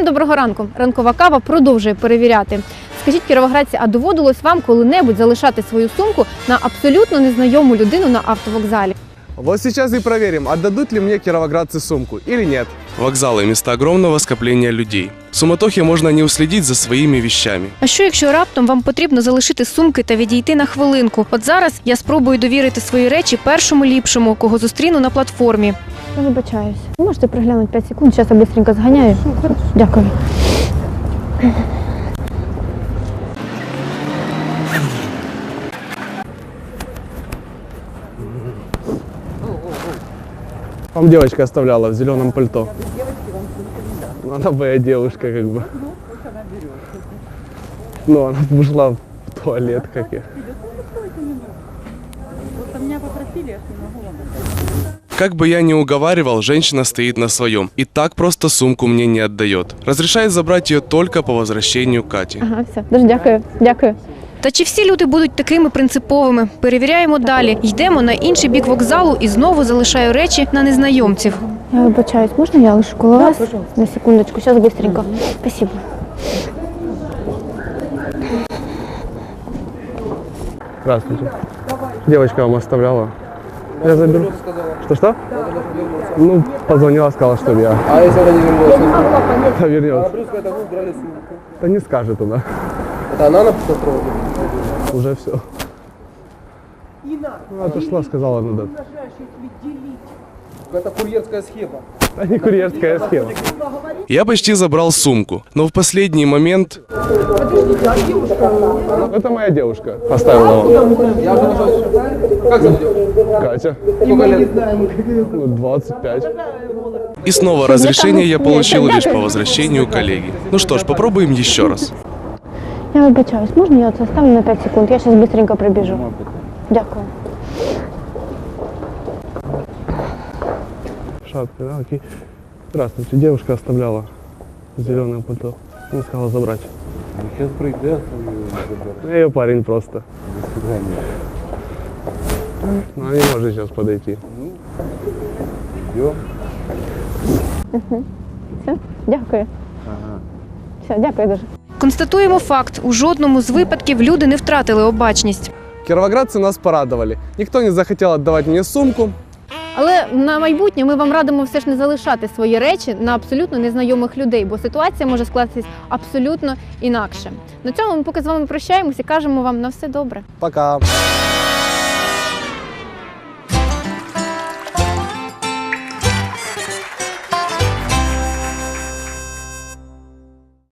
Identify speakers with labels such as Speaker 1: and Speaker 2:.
Speaker 1: Всім доброго ранку. Ранкова кава продовжує перевіряти. Скажіть, кіровоградці, а доводилось вам коли-небудь залишати свою сумку на абсолютно незнайому людину на автовокзалі?
Speaker 2: Вот сейчас и проверим, отдадут ли мне кировоградцы сумку или нет.
Speaker 3: Вокзалы – места огромного скопления людей. В суматохе можно не уследить за своими вещами.
Speaker 1: А що, якщо раптом вам потрібно залишити сумки та відійти на хвилинку? От зараз я спробую довірити свої речі першому ліпшому, кого зустріну на платформі. Я вибачаюсь. Можете приглянути 5 секунд, зараз я швидко зганяю. Дякую.
Speaker 2: Вам девочка оставляла в зеленом пальто. Она моя девушка, как бы. Ну, она ушла в туалет, как я.
Speaker 3: Как бы я ни уговаривал, женщина стоит на своем. И так просто сумку мне не отдает. Разрешает забрать ее только по возвращению Кати.
Speaker 1: Ага, все. Дуже дякую. Дякую. Та чи всі люди будуть такими принциповими? Перевіряємо далі. Йдемо на інший бік вокзалу і знову залишаю речі на незнайомців. Я вибачаюсь, можна я лишу коло вас? На секундочку, зараз швидко. Спасибо.
Speaker 2: Здравствуйте. Девочка вам оставляла. Я заберу. Что? Ну, позвонила, сказала, что я.
Speaker 4: А если она не вернется?
Speaker 2: Вернется.
Speaker 4: Плюс это вы убрали сумку.
Speaker 2: Да не скажет она.
Speaker 4: Это она написала трогать?
Speaker 2: Уже все. Ну, отошла, сказала, надо.
Speaker 4: Это курьерская схема.
Speaker 2: А не курьерская схема.
Speaker 3: Я почти забрал сумку, но в последний момент
Speaker 2: Это моя девушка. Оставила вам.
Speaker 4: Я уже нашел. Как зовут девушку?
Speaker 2: Катя.
Speaker 4: Сколько лет?
Speaker 2: Ну, 25.
Speaker 3: и снова разрешение я получил лишь по возвращению коллеги. Ну что ж, попробуем еще раз.
Speaker 1: Я вибачаюсь, можна я це оставлю на 5 секунд? Я зараз швидко прибіжу. Дякую.
Speaker 2: Шапка, да, окей. Здравствуйте, девушка оставляла зеленое пальто. Не сказала забрать.
Speaker 4: Сейчас пройдет.
Speaker 2: Я ее парень просто. Но она не может сейчас подойти.
Speaker 1: Все, дякую. Все, дякую дуже. Констатуємо факт. У жодному з випадків люди не втратили обачність.
Speaker 2: Кировоградцы нас порадовали. Никто не захотел отдавать мне сумку.
Speaker 1: Але на майбутнє ми вам радимо все ж не залишати свої речі на абсолютно незнайомих людей, бо ситуація може скластись абсолютно інакше. На цьому ми поки з вами прощаємося і кажемо вам на все добре.
Speaker 2: Пока.